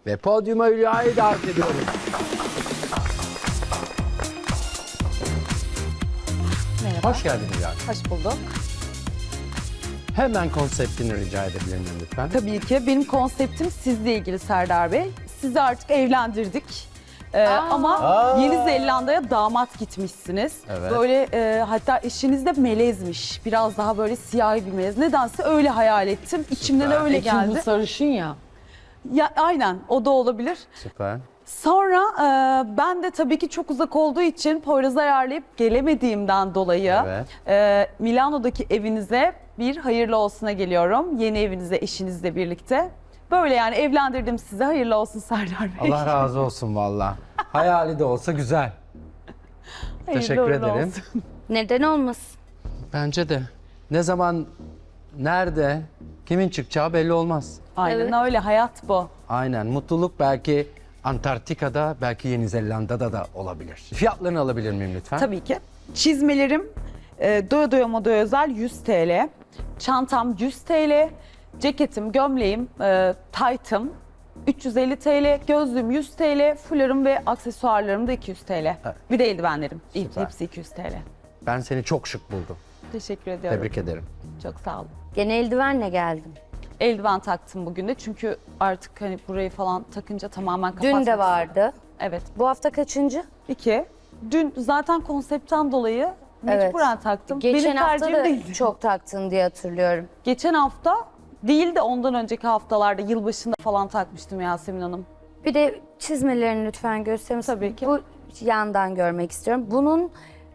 Ve podyuma Hülya'yı davet ediyorum. Merhaba. Hoş geldin Hülya. Hoş bulduk. Hemen konseptini rica edebilir miyim lütfen? Tabii ki benim konseptim sizle ilgili Serdar Bey. Sizi artık evlendirdik. Ama Yeni Zelanda'ya damat gitmişsiniz. Evet. Böyle hatta eşiniz de melezmiş. Biraz daha böyle siyahi bir melez. Nedense öyle hayal ettim. İçimden Süper. öyle Çünkü bu geldi. sarışın ya. Ya, aynen o da olabilir. Süper. Sonra ben de tabii ki çok uzak olduğu için Poyraz'ı ayarlayıp gelemediğimden dolayı Milano'daki evinize bir hayırlı olsuna geliyorum. Yeni evinize eşinizle birlikte. Böyle yani evlendirdim sizi. Hayırlı olsun Serdar Bey. Allah razı olsun valla. Hayali de olsa güzel. Hayırlı Teşekkür uğurlu ederim. olsun. Neden olmasın? Bence de. Ne zaman, nerede, kimin çıkacağı belli olmaz. Aynen Evet. öyle, hayat bu. Aynen. Mutluluk belki Antarktika'da, belki Yeni Zelanda'da da olabilir. Fiyatlarını alabilir miyim lütfen? Tabii ki. Çizmelerim doya doya modaya özel 100 TL. Çantam 100 TL. Ceketim, gömleğim, taytım 350 TL. Gözlüğüm 100 TL. Fularım ve aksesuarlarım da 200 TL. Bir de eldivenlerim. Süper. Hepsi 200 TL. Ben seni çok şık buldum. Teşekkür ediyorum. Tebrik ederim. Çok sağ olun. Gene eldivenle geldim. Eldiven taktım bugün de çünkü artık hani burayı falan takınca tamamen kapatmak Dün de vardı. Evet. Bu hafta kaçıncı? 2. Dün zaten konseptten dolayı mecburen taktım. Geçen Benim hafta tercihim da değildi. çok taktın diye hatırlıyorum. Geçen hafta değil de ondan önceki haftalarda yılbaşında falan takmıştım Yasemin Hanım. Bir de çizmelerini lütfen gösterir misin? Tabii ki. Bu yandan görmek istiyorum. Bunun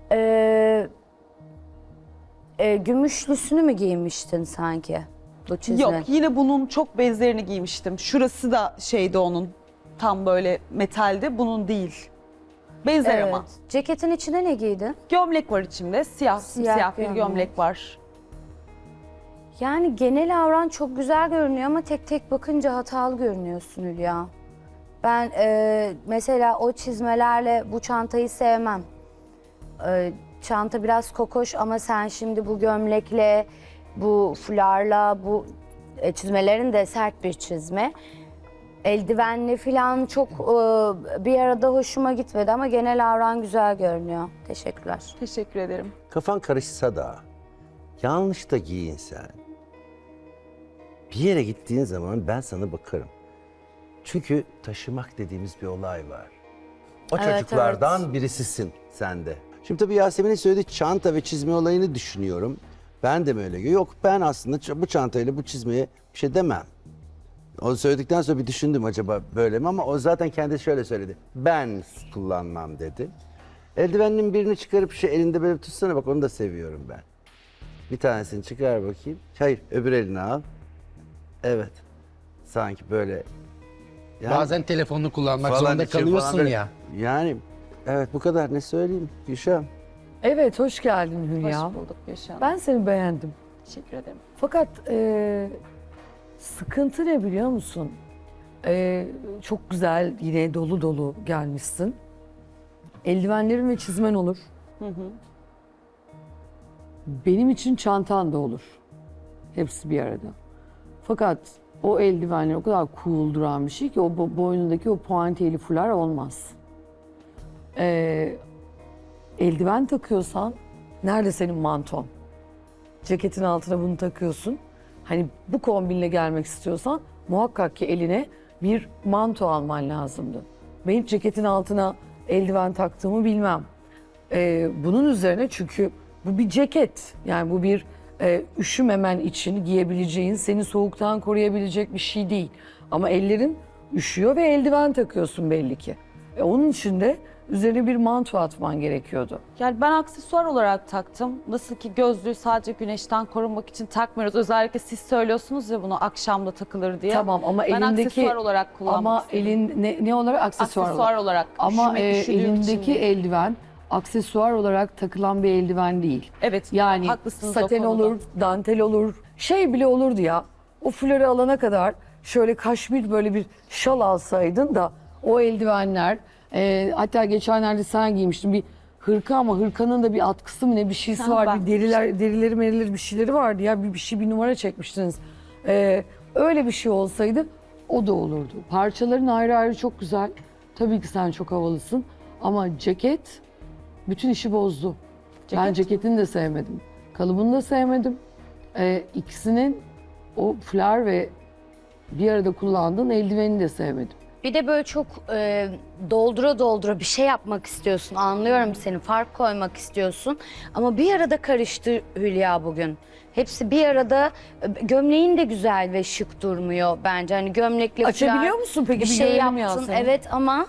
gümüşlüsünü mü giymiştin sanki? Bu çizme. Yok, yine bunun çok benzerini giymiştim. Şurası da şeydi onun. Tam böyle metaldi. Bunun değil. Benzer Evet. ama. Ceketin içine ne giydin? Gömlek var içimde. Siyah bir gömlek var. Yani genel avran çok güzel görünüyor ama tek tek bakınca hatalı görünüyorsun Hülya. Ben mesela o çizmelerle bu çantayı sevmem. Çanta biraz kokoş ama sen şimdi bu gömlekle, bu fularla, bu çizmelerin de sert bir çizme. Eldivenli falan çok bir arada hoşuma gitmedi ama genel avran güzel görünüyor. Teşekkürler. Teşekkür ederim. Kafan karışsa da yanlış da giyin sen. Bir yere gittiğin zaman ben sana bakarım. Çünkü taşımak dediğimiz bir olay var. O Evet, çocuklardan birisisin sen de. Şimdi tabii Yasemin'in söylediği çanta ve çizme olayını düşünüyorum. Ben de mi öyle? Yok, ben aslında bu çantayla bu çizmeye bir şey demem. Onu söyledikten sonra bir düşündüm, acaba böyle mi, ama o zaten kendi şöyle söyledi. Ben kullanmam dedi. Eldiveninin birini çıkarıp şu elinde böyle tutsana, bak onu da seviyorum ben. Bir tanesini çıkar bakayım. Hayır, öbür elini al. Evet. Sanki böyle. Yani Bazen telefonunu kullanmak falan zorunda için falan kalıyorsun böyle- ya. Yani evet, bu kadar, ne söyleyeyim Gülşah? Evet, hoş geldin Hülya. Hoş bulduk Gülşah Hanım. Ben seni beğendim. Teşekkür ederim. Fakat sıkıntı ne biliyor musun? Çok güzel, yine dolu dolu gelmişsin. Eldivenlerin ve çizmen olur. Benim için çantan da olur. Hepsi bir arada. Fakat o eldivenler o kadar cool duran bir şey ki o boynundaki o puantiyeli fular olmaz. Eldiven takıyorsan nerede senin manton? Ceketin altına bunu takıyorsun. Hani bu kombinle gelmek istiyorsan muhakkak ki eline bir manto alman lazımdı. Ben hiç ceketin altına eldiven taktığımı bilmem. Bunun üzerine, çünkü bu bir ceket. Yani bu bir üşümemen için giyebileceğin, seni soğuktan koruyabilecek bir şey değil. Ama ellerin üşüyor ve eldiven takıyorsun belli ki. Onun için de üzerine bir manto atman gerekiyordu. Yani ben aksesuar olarak taktım. Nasıl ki gözlüğü sadece güneşten korunmak için takmıyoruz. Özellikle siz söylüyorsunuz ya bunu akşamda takılır diye. Tamam ama ben elindeki aksesuar olarak kullanmak ama istedim. ne olarak aksesuar, Aksesuar olarak. Ama Üşüdüğüm için elindeki değil. eldiven aksesuar olarak takılan bir eldiven değil. Evet, Yani haklısınız o saten konuda. olur, dantel olur, şey bile olurdu ya. O fuları alana kadar şöyle kaşmir böyle bir şal alsaydın da o eldivenler, hatta geçenlerde sen giymiştin bir hırka, ama hırkanın da bir atkısı mı ne bir şeysi Ha, var. ben- Bir derileri bir şeyleri vardı ya, bir numara çekmiştiniz. Öyle bir şey olsaydı o da olurdu. Parçaların ayrı ayrı çok güzel. Tabii ki sen çok havalısın. Ama ceket bütün işi bozdu. Ben ceketini de sevmedim. Kalıbını da sevmedim. İkisinin o fular ve bir arada kullandığın eldiveni de sevmedim. Bir de böyle çok doldura doldura bir şey yapmak istiyorsun. Anlıyorum seni, fark koymak istiyorsun. Ama bir arada karıştı Hülya bugün. Hepsi bir arada, gömleğin de güzel ve şık durmuyor bence. Hani gömlekle Açabiliyor fular musun peki? bir Bir şey görelim ya yaptın. seni. Evet ama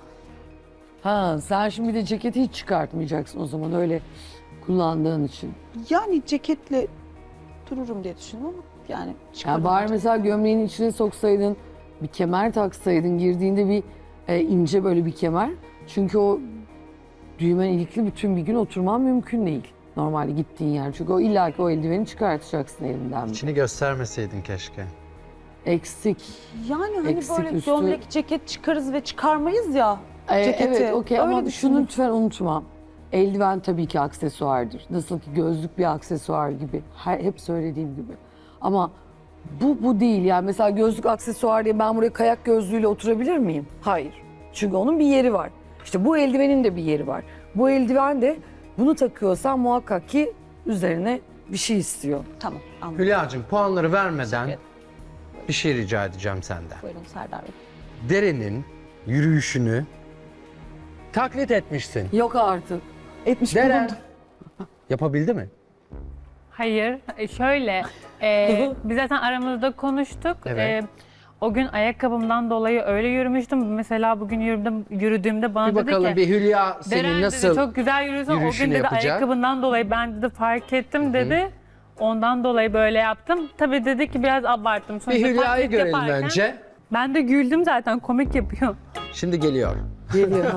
Ha, sen şimdi bir de ceketi hiç çıkartmayacaksın o zaman öyle kullandığın için. Yani ceketle dururum diye düşündüm ama yani Yani çıkardım. bari mesela gömleğin içine soksaydın, bir kemer taksaydın, girdiğinde bir ince böyle bir kemer. Çünkü o düğmen ilikli bütün bir gün oturman mümkün değil. Normalde gittiğin yer. Çünkü o illaki o eldiveni çıkartacaksın elinden. İçini göstermeseydin keşke. Eksik. Yani hani Eksik böyle üstü. gömlek, ceket çıkarız ve çıkarmayız ya. Ceketi. Evet, okey Öyle ama düşündüm. şunu lütfen unutma. Eldiven tabii ki aksesuardır. Nasıl ki gözlük bir aksesuar gibi. Hep söylediğim gibi. Ama bu değil. Yani mesela gözlük aksesuar diye ben buraya kayak gözlüğüyle oturabilir miyim? Hayır. Çünkü onun bir yeri var. İşte bu eldivenin de bir yeri var. Bu eldiven de bunu takıyorsan muhakkak ki üzerine bir şey istiyor. Tamam, anladım. Hülya'cığım puanları vermeden bir şey rica edeceğim senden. Buyurun Serdar Bey. Deren'in yürüyüşünü taklit etmişsin. Yok artık. Etmiş Deren bulundum. yapabildi mi? Hayır, şöyle, biz zaten aramızda konuştuk. Evet. O gün ayakkabımdan dolayı öyle yürümüştüm. Mesela bugün yürüdüğümde bana Bir dedi bakalım ki, bir Hülya senin Deren nasıl dedi, çok güzel yürüyorsun. O gün yürüyüşünü dedi yapacak? ayakkabından dolayı ben dedi fark ettim dedi. Ondan dolayı böyle yaptım. Tabii dedi ki biraz abarttım. bir Sonuçta Hülya'yı taklit görelim yaparken önce. Ben de güldüm zaten, komik yapıyor. Şimdi geliyor. Geliyor.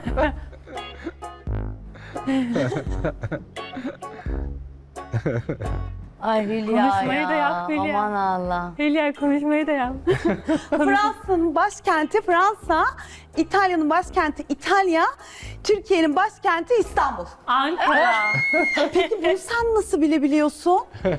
ay Hülya Konuşmayı da yap Hülya. Aman Allah. Hülya konuşmayı da yap. Fransa'nın başkenti Fransa, İtalya'nın başkenti İtalya, Türkiye'nin başkenti İstanbul. Ankara. Peki bunu sen nasıl bilebiliyorsun?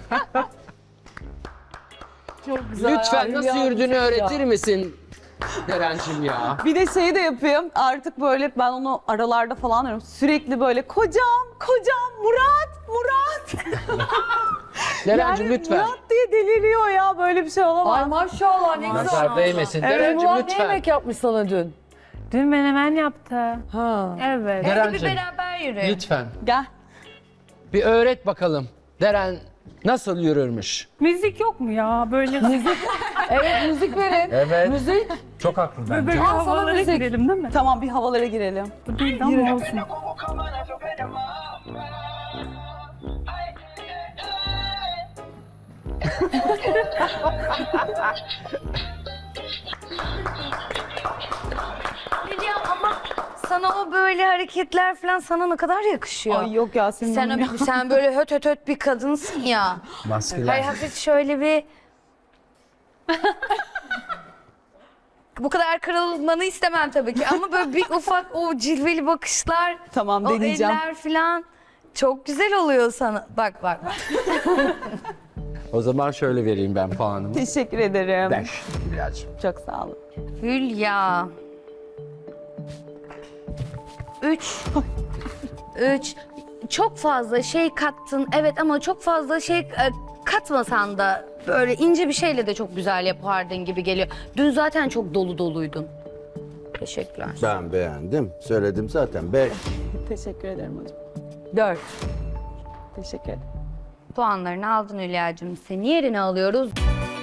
Çok güzel. Lütfen Hülya, nasıl yürüdüğünü ya. öğretir misin Deren'cim ya? Bir de şeyi de yapayım. Artık böyle ben onu aralarda falan arıyorum. Sürekli böyle kocam, Murat. Deren'cim Yani lütfen. Murat diye deliriyor ya. Böyle bir şey olamaz. Ay maşallah ne güzel. Nazar değmesin. Deren'cim Murat ne lütfen. yemek yapmış sana dün? Dün menemen yaptı. Ha. Evet. Hadi bir Deren'cim beraber yürü. lütfen Gel. bir öğret bakalım. Deren nasıl yürürmüş? Müzik yok mu ya böyle? Müzik. Evet müzik verin. Evet. Müzik. Çok haklı bence. Böyle Al sana havalara müzik. girelim değil mi? Tamam bir havalara girelim. Bu değil de ama olsun. Hülya ama sana o böyle hareketler falan sana ne kadar yakışıyor. Ay yok ya senin Sen, hanım ya. sen böyle höt höt höt bir kadınsın ya. Maskülen. Hayır hafif şöyle bir... Bu kadar kırılmanı istemem tabii ki ama böyle bir ufak o cilveli bakışlar, Tamam o deneyeceğim. eller falan çok güzel oluyor sana. Bak bak. O zaman şöyle vereyim ben puanımı. Teşekkür ederim. 5 Hülya'cığım. Çok sağ olun. Hülya. 3. Çok fazla şey kattın evet ama çok fazla şey katmasan da böyle ince bir şeyle de çok güzel yapardın gibi geliyor. Dün zaten çok dolu doluydun. Teşekkürler. Ben beğendim. Söyledim zaten. 5. Teşekkür ederim hocam. 4. Teşekkür ederim. Puanlarını aldın Hülya'cığım. Seni yerine alıyoruz.